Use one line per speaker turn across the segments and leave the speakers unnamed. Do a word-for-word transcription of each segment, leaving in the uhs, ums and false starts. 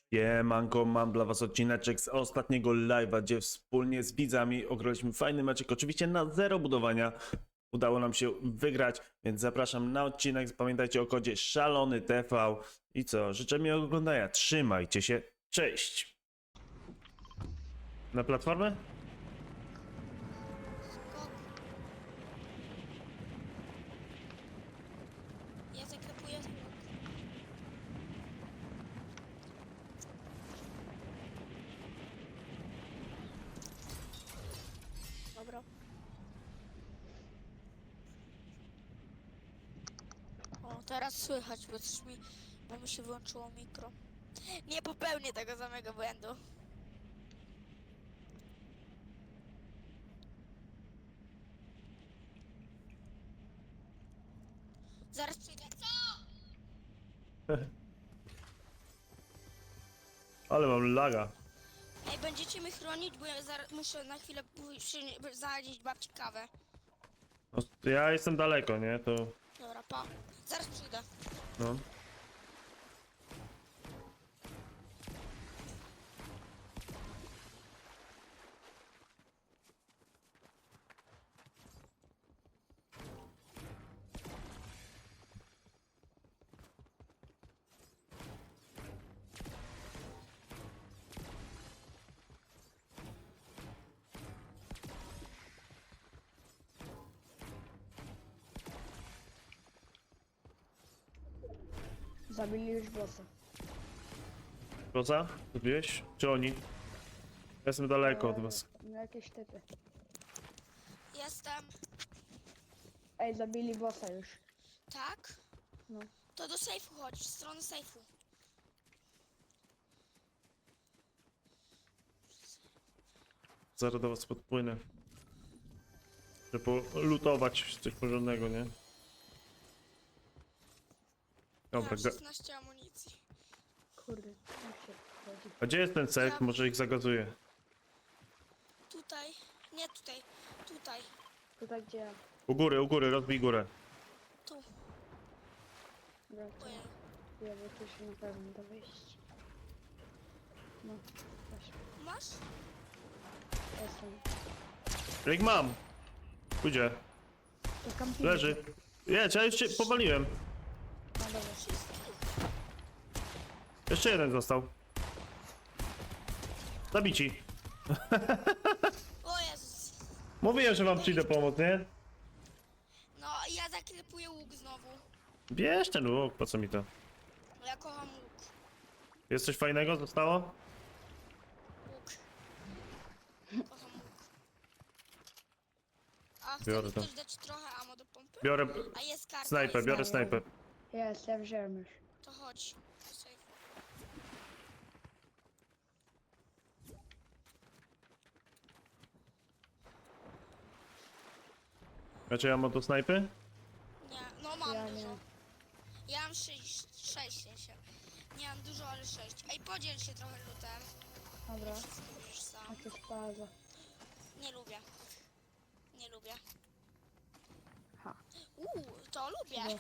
Siemanko, mam dla was odcineczek z ostatniego live'a, gdzie wspólnie z widzami ograliśmy fajny meczek, oczywiście na zero budowania. Udało nam się wygrać, więc zapraszam na odcinek. Pamiętajcie o kodzie szalony T V. I co, życzę miłego oglądania, trzymajcie się, cześć! Na platformę?
Skok. Ja zaklepuję skok. Dobra. O, teraz słychać, bo coś mi, bo mi się wyłączyło mikro. Nie popełnię tego samego błędu. Zaraz przyjdę. Co?
Ale mam laga.
Ej, będziecie mnie chronić, bo ja zaraz muszę na chwilę pójść, zanieść babci kawę.
No, ja jestem daleko, nie? To
Dobra, pa. Zaraz przyjdę.
no.
Zabili już bossa.
Koza? Zrobiłeś? Czy oni? Ja jestem daleko od was.
No jakieś typy.
Jestem.
Ej, zabili bossa już.
Tak?
No.
To do sejfu chodź, w stronę sejfu.
Zaraz do was podpłynę. Żeby lutować coś porządnego, nie? Dobra,
Mam
ga-
szesnaście amunicji.
Kurde, jak się chodzi.
a gdzie jest ten sek? Może ich zagazuję.
Tutaj. Nie tutaj. Tutaj.
Tutaj gdzie ja.
U góry, u góry, rozbij górę.
Tu.
Dobra, to
Ojej.
ja bo tu się na pewno da wyjść. No, weź.
Masz?
Jestem.
Jak mam? Pójdzie.
To kampimy.
Leży. Nie, ja już cię powaliłem.
No dobra.
Wszystkich.
Jeszcze jeden został. Zabici.
O Jezus.
Mówiłem, że wam przyjdę pomóc, nie?
No, ja zaklepuję łuk znowu.
Bierz ten łuk, po co mi to?
Bo ja kocham łuk.
Jest coś fajnego zostało?
Łuk. Kocham łuk. A chce
Biorę
mi
to.
ktoś dać trochę ammo do pompy?
Biorę
A jest karta.
snajper,
jest
biorę
karta.
snajper.
Jest, ja wziąłem już.
To chodź. Do sejfu.
Znaczy ja mam do snajpy?
Nie, no mam
Ja nie.
dużo. Ja mam sześć, sześć się. Nie mam dużo, ale sześć. Ej, podziel się trochę lutem.
Dobra,
Wszystko bierzesz sam.
jakieś plaza.
Nie lubię. Nie lubię.
Ha.
Uuu, to lubię.
No.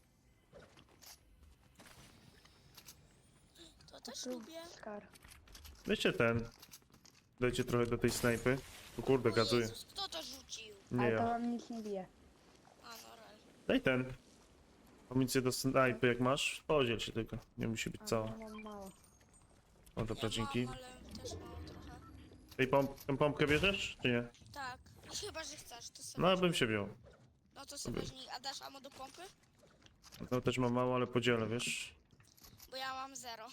To też
Tu
lubię.
Skar.
Weźcie ten. Dajcie trochę do tej snajpy. O kurde,
O
gazuję.
Jezus, kto to rzucił?
Nie
Ale to
ja.
wam nic nie bije.
A, no rel.
Daj ten. Amunicję do snajpy jak masz, podziel się tylko. Nie musi być
A
cała.
ja mam mało.
O, dobra,
Ja
dzięki.
mam, ale też mało trochę.
Tej pomp tę pompkę bierzesz, czy nie?
Tak. Chyba, że chcesz, to sobie.
No,
weź.
bym się wziął.
No to sobie weźmij. A dasz ammo do pompy?
No też mam mało, ale podzielę, wiesz?
Bo ja mam zero.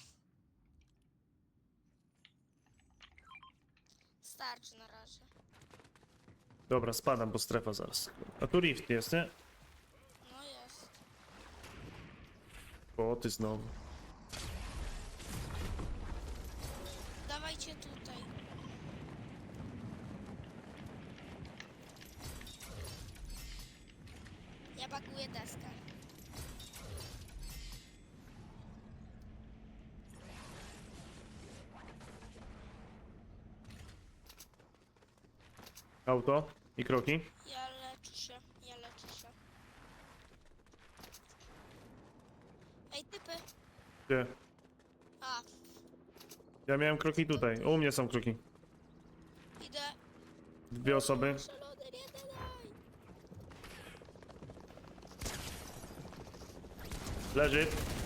Starczy na razie.
Dobra, spadam, bo strefa zaraz. A tu rift jest, nie?
No jest.
O, ty znowu.
Dawajcie tutaj. Ja bakuję deskę.
Auto i kroki.
Ja leczę się, ja leczę się. Ej, typy.
Gdzie?
A,
Ja miałem kroki tutaj. U mnie są kroki.
Idę.
Dwie osoby.
Szalony, nie daj.
Leży.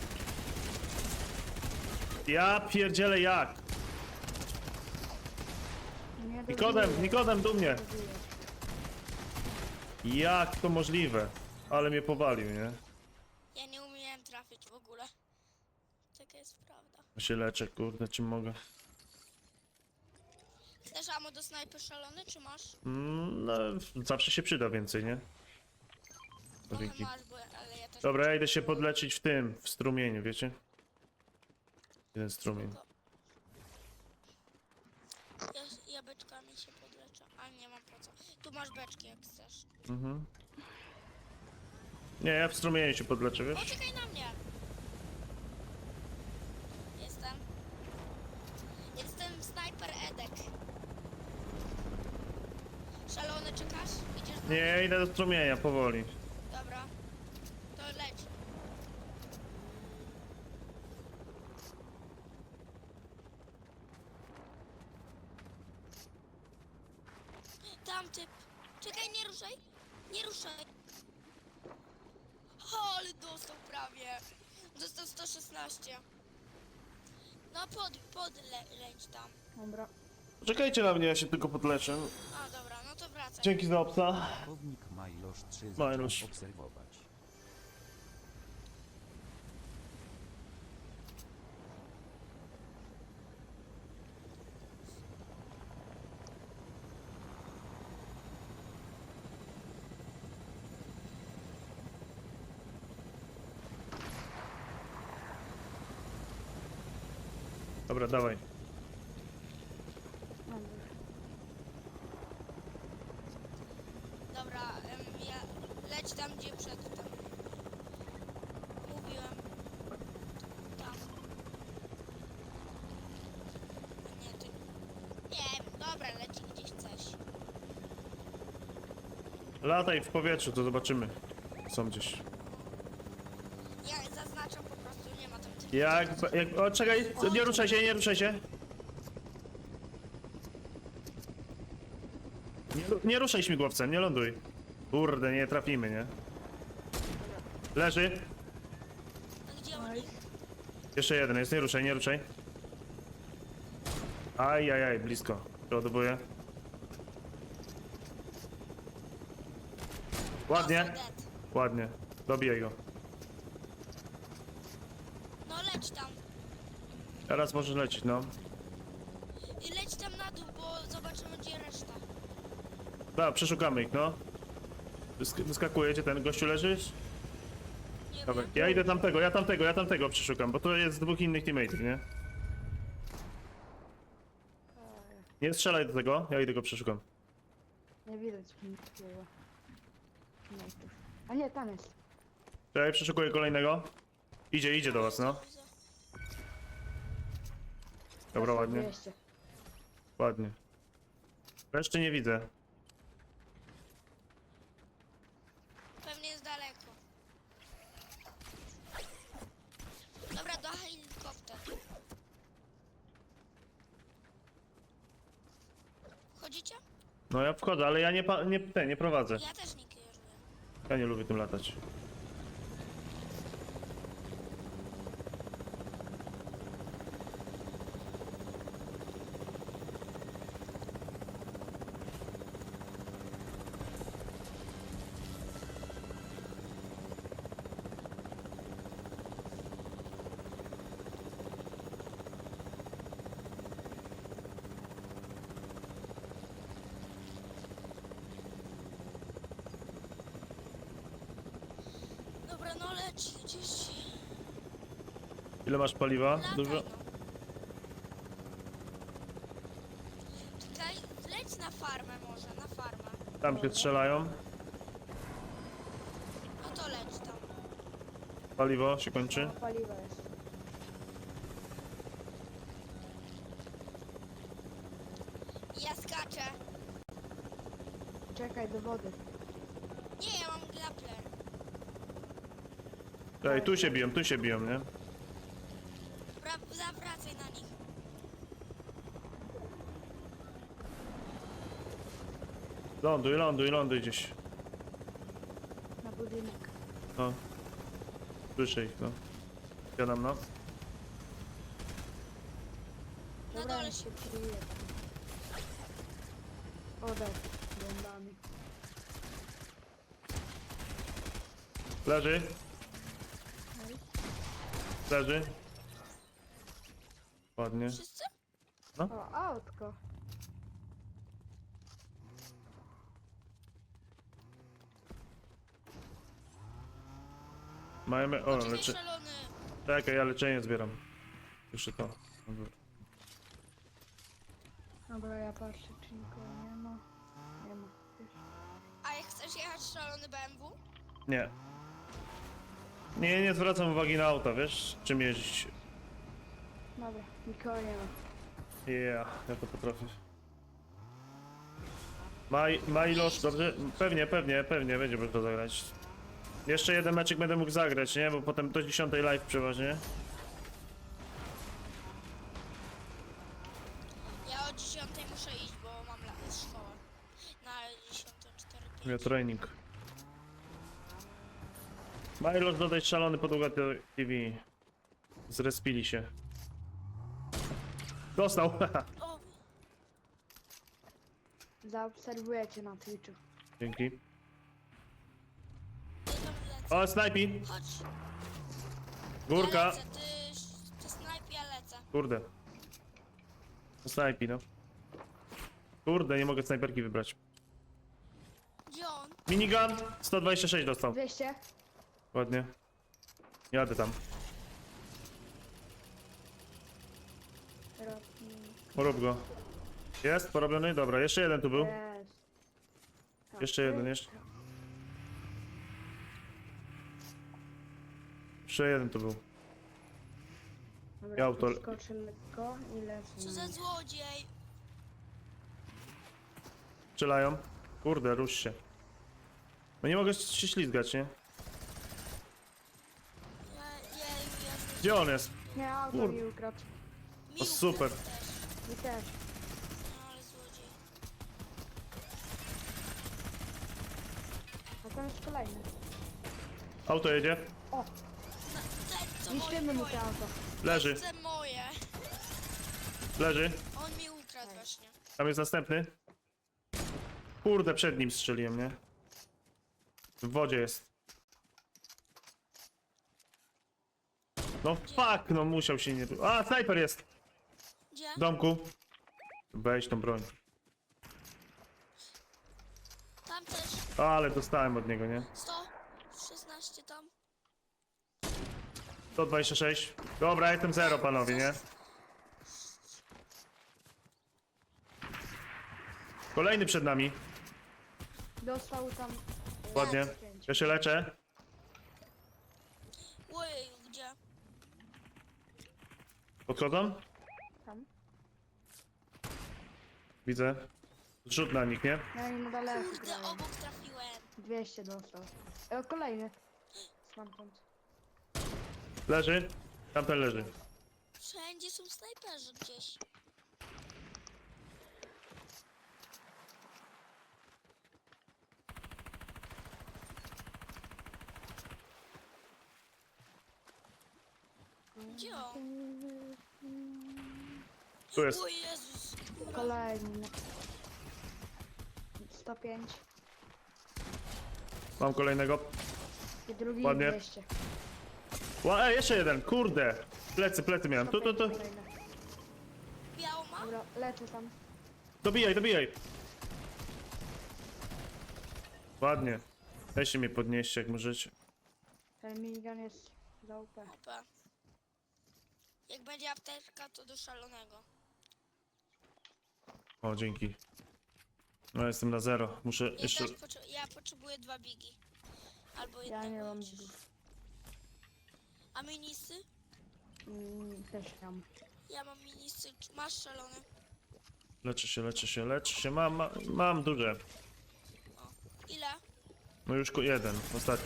Ja pierdzielę jak?
Nie
Nikodem,
dobiję.
Nikodem do mnie.
Dobiję.
Jak to możliwe? Ale mnie powalił, nie?
Ja nie umiałem trafić w ogóle. Taka jest prawda.
Ja się leczę, kurde, czym mogę?
Chcesz ammo do snajpy szalony, czy masz?
Mm, no, zawsze się przyda więcej, nie?
Trochę
Dzięki.
masz, bo ale ja też...
Dobra, ja idę się podleczyć w tym, w strumieniu, wiecie? Jeden strumień.
Spoko. Ja, ja beczkami się podleczę, ale nie mam po co. Tu masz beczki, jak chcesz.
Mhm. Nie, ja w strumieniu się podleczę, wiesz?
Poczekaj na mnie! Jestem. Jestem snajper Edek. Szalony, czekasz? Idziesz do...
Nie, ja idę do strumienia, powoli.
Dobra. To leć. Tam typ. Czekaj, nie ruszaj. Nie ruszaj. O, ale dostał prawie. Dostał sto szesnaście. No pod, pod le, leć tam.
Dobra.
Czekajcie na mnie, ja się tylko podleczę.
A dobra, no to wracaj.
Dzięki za obsa.
Pułkownik Majlosz trzy
Majlosz.
zaczął obserwować.
Dobra, dawaj.
Mam już.
Dobra, em, ja leć tam, gdzie przedtem. Mówiłem. Tam. A nie, ty... Nie wiem, dobra, leci gdzieś coś.
Lataj w powietrzu, to zobaczymy. Są gdzieś.
Ja zaznaczam po prostu, nie ma tam tych...
Jak, jak... O, czekaj, nie ruszaj się, nie ruszaj się. Nie, ru- nie ruszaj śmigłowcem, nie ląduj. Kurde, nie trafimy, nie? Leży.
A gdzie oni?
Nice.
Jeszcze jeden jest, nie ruszaj, nie ruszaj. Aj, aj, aj, blisko. Przeładowuję. Ładnie,
Dostał dead.
ładnie. Dobijaj go.
No leć tam.
Teraz możesz lecieć, no.
I leć tam na dół, bo zobaczymy, gdzie reszta.
Dobra, przeszukamy ich, no. Wysk wyskakujecie, ten gościu leżysz?
Nie
Dobra,
wiem.
ja idę tamtego, ja tamtego, ja tamtego przeszukam, bo to jest dwóch innych teammateów, nie? Nie strzelaj do tego, ja idę go przeszukam.
Nie widać niczego. Knajpów. A nie, tam jest.
Czekaj, przeszukuję kolejnego. Idzie, idzie do was, no.
Widzę.
Dobra, ładnie,
dwieście.
ładnie. Reszty nie widzę.
Pewnie jest daleko. Dobra, do helikopter. Wchodzicie?
No ja wchodzę, ale ja nie, pa nie, te, nie prowadzę.
Ja też nie kieruję.
Ja nie lubię tym latać.
Dobra, no leć gdzieś.
Ile masz paliwa?
Lataj,
Dużo?
no. Czekaj, leć na farmę może, na farmę.
Tam się strzelają.
No to leć tam.
Paliwo się kończy.
No, paliwa jest.
Ja skaczę.
Czekaj do wody.
Nie, ja mam grappler.
Ej, tu się biją, tu się biją, nie?
Dobra, zawracaj na nich.
Ląduj, ląduj, ląduj gdzieś.
Na budynek.
No. Słyszę ich, no. Siadam, no.
Na
Dobra,
dole
on się kryje. Odał bombami.
Leży,
No i
leży. Ładnie.
Wszyscy?
o, autko.
Mamy, o,
Czekaj,
leczy...
szalony.
Czekaj, ja leczenie zbieram. Jeszcze to. Dobra.
Dobra, ja patrzę, czy nikogo nie ma. Nie ma. Już.
A jak chcesz jechać szalony B M W?
Nie. Nie, nie zwracam uwagi na auta, wiesz? Czym jeździć.
Dobra, nikogo nie ma.
Yeah, ja to potrafię. Ma, ma ilość, dobrze? Pewnie, pewnie, pewnie będzie można zagrać. Jeszcze jeden meczek będę mógł zagrać, nie? Bo potem do dziesiątej live przeważnie.
Ja o dziesiątej muszę iść, bo mam la- szkołę. Na dziesiątą cztery
Ja
pięć.
trening. Milos dodaj szalony podługa T V. Zrespili się. Dostał!
O,
Zaobserwuję cię na Twitchu.
Dzięki.
ja tam lecę.
O, snajpi!
Chodź.
Górka!
Ja lecę, ty, ty snajp, ja lecę.
Kurde. Snajpi, no. Kurde, nie mogę snajperki wybrać.
Gdzie on?
Minigun! sto dwadzieścia sześć dostał.
dwieście?
Ładnie. Jadę tam.
Rotnik.
Rób go. Jest porobiony? Dobra, jeszcze jeden tu był.
Jest. Tak,
Jeszcze jeden, jeszcze. Jeszcze jeden tu był.
Dobra,
Ja auto-
skoczę lekko i lecę.
Co
na
za
nich.
złodziej?
Strzelają. Kurde, rusz się. No nie mogę się ślizgać, nie?
Ja, ja, ja,
Gdzie on jest?
Nie, auto
Kur-
mi ukradł.
mi
O, super.
ukradł też.
I też.
No ale złodziej.
A tam jest kolejny.
Auto jedzie.
O,
No, ten co
niszczymy
moje,
mu
moje.
to auto.
Leży,
Chcę moje.
leży.
On mi ukradł właśnie.
Tam jest następny. Kurde, przed nim strzeliłem, nie? W wodzie jest. No fuck, no musiał się nie... A, snajper jest!
Gdzie?
W domku. Weź tą broń.
Tam też.
Ale dostałem od niego, nie?
sto szesnaście tam.
sto dwadzieścia sześć. Dobra, jestem zero, panowie, nie? Kolejny przed nami.
Dostał tam. e,
Ładnie.
pięć.
Ja się leczę.
Ojej, gdzie?
Podchodzą?
Tam.
Widzę. Zrzut na nich, nie?
No i na daleko.
Kurde,
grają.
obok trafiłem.
dwieście dostał. E, kolejny. Stamtąd.
Leży. Tamten leży.
Wszędzie są snajperzy gdzieś. Gdzie on?
Tu jest.
O Jezus. Góra.
Kolejny. sto pięć.
Mam kolejnego.
I drugi
Ładnie.
dwieście.
Ła, e, jeszcze jeden. Kurde. Plecy, plecy miałem. Tu, tu, tu.
Kolejny.
Białą ma?
Dobra, lecę tam.
Dobijaj, dobijaj. Ładnie. Weźcie mnie podnieście, jak możecie.
Ten minigun jest za U P.
Opa. Jak będzie apteczka, to do szalonego.
O, dzięki. No, jestem na zero. Muszę
Ja,
jeszcze...
też potrze- ja potrzebuję dwa bigi. Albo
Ja
jednego.
nie mam
chociaż.
bigów.
A minisy?
Mm, też tam.
Ja mam minisy. Czy masz szalony?
Leczę się, leczę się, leczę się. Mam, ma, mam duże.
Ile?
No już ku- jeden, ostatni.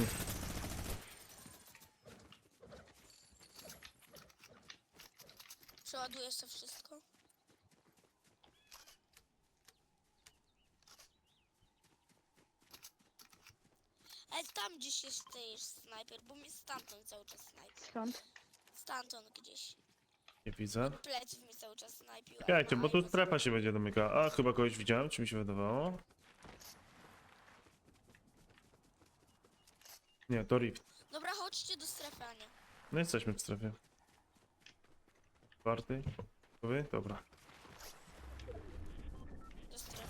Przeładuję sobie wszystko. Ale tam gdzieś jest też snajper, bo mnie stamtąd cały czas snajpi.
Skąd?
Stamtąd gdzieś.
Nie widzę.
Pleców mnie cały czas snajpił.
Czekajcie, bo tu
Aj,
strefa się będzie domykała. A, chyba kogoś widziałem, czy mi się wydawało? Nie, to Rift.
Dobra, chodźcie do strefy, a nie.
No jesteśmy w strefie. Czwarty. Wy? Dobra.
Do strefy.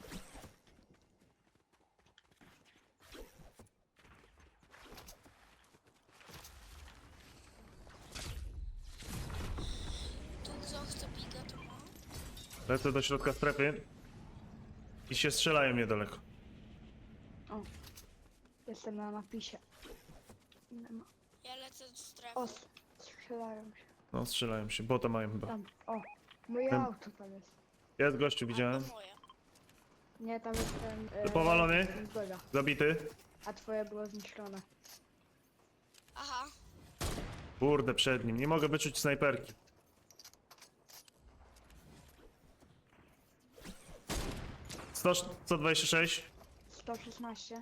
Tu kto chce biga, to ma.
Lecę do środka strefy. I się strzelają niedaleko.
O. Jestem na napisie. Nie ma.
Ja lecę do strefy.
O, strzelają się.
No, strzelają się. Bota mają chyba.
Tam. O. Moje
Ten-
auto tam jest.
Jest gościu, widziałem.
To moje.
Nie, tam jest ten... e,
Powalony?
ten Zgoda.
Zabity.
A twoje było zniszczone.
Aha.
Kurde, przed nim. Nie mogę wyczuć snajperki. sto, sto dwadzieścia sześć.
sto szesnaście.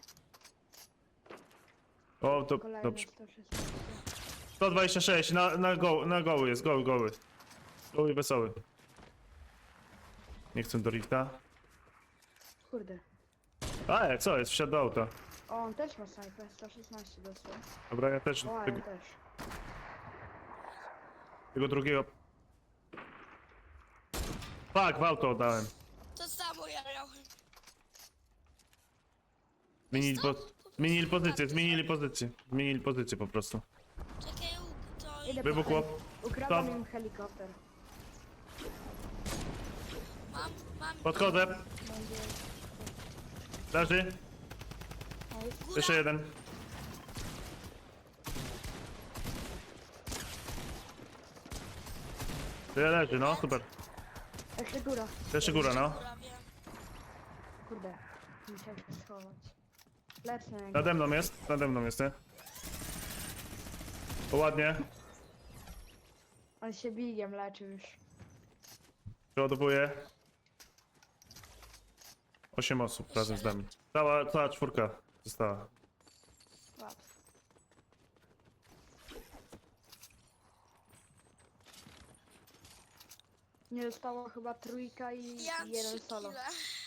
O, to
Kolejne
dobrze.
sto szesnaście.
sto dwadzieścia sześć, na, na, go, na goły jest, goły, goły. Goły wesoły. Nie chcę do rifta.
Kurde.
A, jak co jest? Wsiadł do auta.
O, on też ma snajpę. sto szesnaście dostał.
Dobra, ja też
O, a ja
tego,
też.
tego drugiego... Fuck, w auto oddałem.
To samo ja miałem.
Zmienili, po, zmienili pozycję, zmienili pozycję. Zmienili pozycję po prostu.
Czekaj, u- to...
Idę
Wybuchło.
po- Ukradłem
Stop.
im helikopter.
Mam, mam...
Podchodzę.
Będzie...
Leży.
Nice.
Jeszcze jeden. Tyle leży, no, super.
Jeszcze góra.
Jeszcze góra, no.
Góra, wiem.
Kurde. Musiałem się schować. Lecę na niego.
Nade mną jest, nade mną jest, nie? O, ładnie.
On się bigiem leczy już.
Przeładowuję. Osiem osób razem z nami. Cała, cała czwórka została.
Łatwo. Nie zostało chyba trójka i
Ja mam
jeden
trzy
solo.
kile.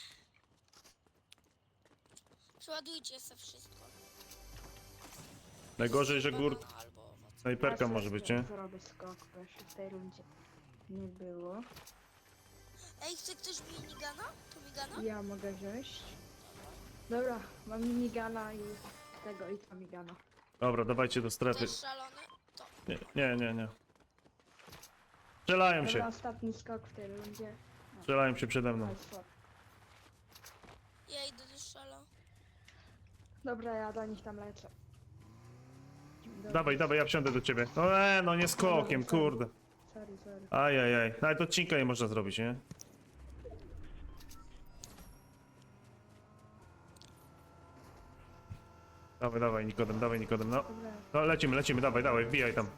Przeładujcie se wszystko.
Najgorzej, że gór...
Banana albo owoc.
Snajperka
Ja
może
sobie
być, nie?
Zrobię skok, bo jeszcze w tej rundzie nie było.
Ej, chce ktoś minigana? To migana?
Ja mogę wziąć. Dobra, mam minigana i tego i tamigana.
Dobra, dawajcie do strefy.
Też szalony? To.
Nie, nie, nie, nie. Strzelają
Dobra,
się.
ostatni skok w tej rundzie.
Strzelają się przede mną.
Nice shot.
Ja idę do szalo.
Dobra, ja do nich tam lecę. Dobra.
Dawaj, dawaj, ja wsiądę do ciebie. No, e, no nie skokiem, kurde.
Sorry, sorry.
Ajajaj. Nawet odcinka nie można zrobić, nie? Dawaj, dawaj, Nikodem, dawaj, Nikodem, no.
Dobra,
No, lecimy, lecimy, dawaj, dawaj, wbijaj tam.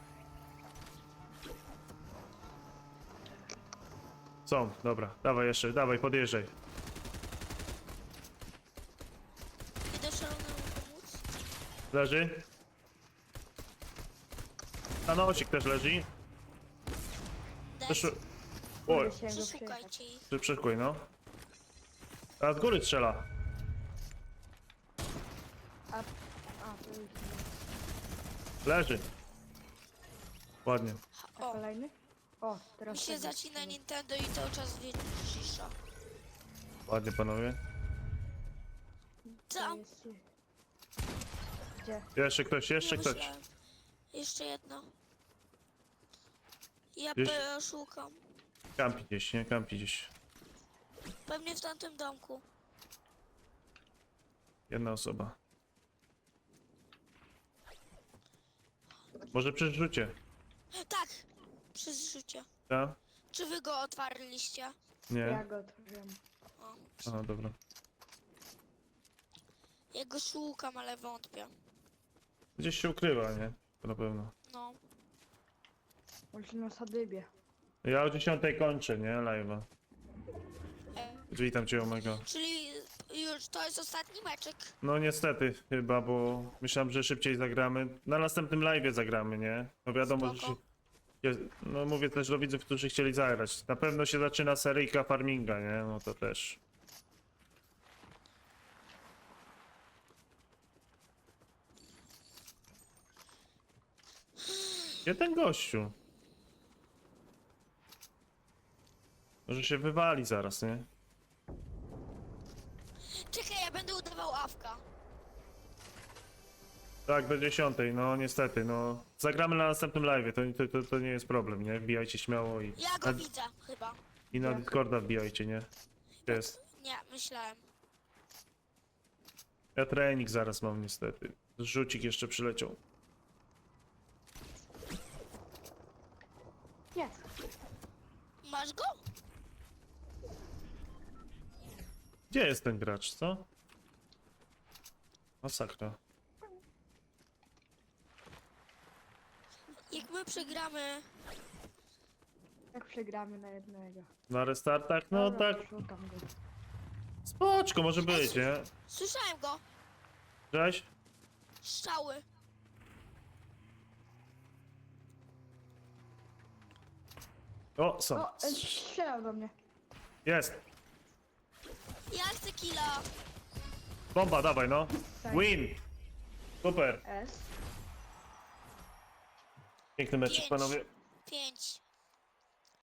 Są, dobra, dawaj jeszcze, dawaj, podjeżdżaj.
Idę szalonemu pomóc.
Leży. Stanosik też leży. Też...
Des.
Oj,
musiałem go przejechać.
Przeszukajcie ich.
przy- przeszkuj, no. A z góry strzela.
A, a to już nie.
Leży. Ładnie.
A
O,
kolejny? O, teraz
mi się
tego
zacina
strzela.
Nintendo i cały czas wie- cisza.
Ładnie, panowie.
To
Tam.
jest... Gdzie?
Jeszcze ktoś, jeszcze
Nie
ktoś.
myślałem. Jeszcze jedno. Ja
Jeszcze-
pe- szukam.
Kampi gdzieś, nie? Kampi gdzieś.
Pewnie w tamtym domku.
Jedna osoba. Może przy rzucie.
Tak! Przy zrzucie.
Tak?
Czy wy go otwarliście?
Ja
Nie?
go otworzyłem.
O.
Aha, dobra.
Ja go szukam, ale wątpię.
Gdzieś się ukrywa, nie? To na pewno.
No.
Może na sadybie.
Ja o dziesiątej kończę, nie? Live'a.
E,
Witam cię, Omega.
czyli już to jest ostatni meczek.
No niestety chyba, bo myślałem, że szybciej zagramy. Na następnym live'ie zagramy, nie? No wiadomo, że...
Spoko.
się- No mówię też do widzów, którzy chcieli zagrać. Na pewno się zaczyna seryjka farminga, nie? No to też. Gdzie ten gościu? Może się wywali zaraz, nie?
Czekaj, ja będę udawał awka.
Tak, do dziesiątej, no niestety, no. Zagramy na następnym live'ie, to, to, to, to nie jest problem, nie? Wbijajcie śmiało i...
Ja go
na,
widzę, chyba.
I na Discorda wbijajcie, nie? Gdzie jest?
Nie, myślałem.
Ja trening zaraz mam niestety. Rzucik jeszcze przyleciał.
Jest.
Masz go?
Gdzie jest ten gracz, co? Masakra.
Jak my przegramy...
Jak przegramy na jednego.
Na restartach? No
Dobra,
tak,
Szukam go.
spoczko może być, nie?
Słyszałem go.
Cześć?
Strzały.
O, są.
O, e, strzelał do mnie.
Jest.
Ja chcę killa.
Bomba, dawaj no.
Tak.
Win. Super.
S.
Piękny meczek,
Pięć.
panowie.
Pięć.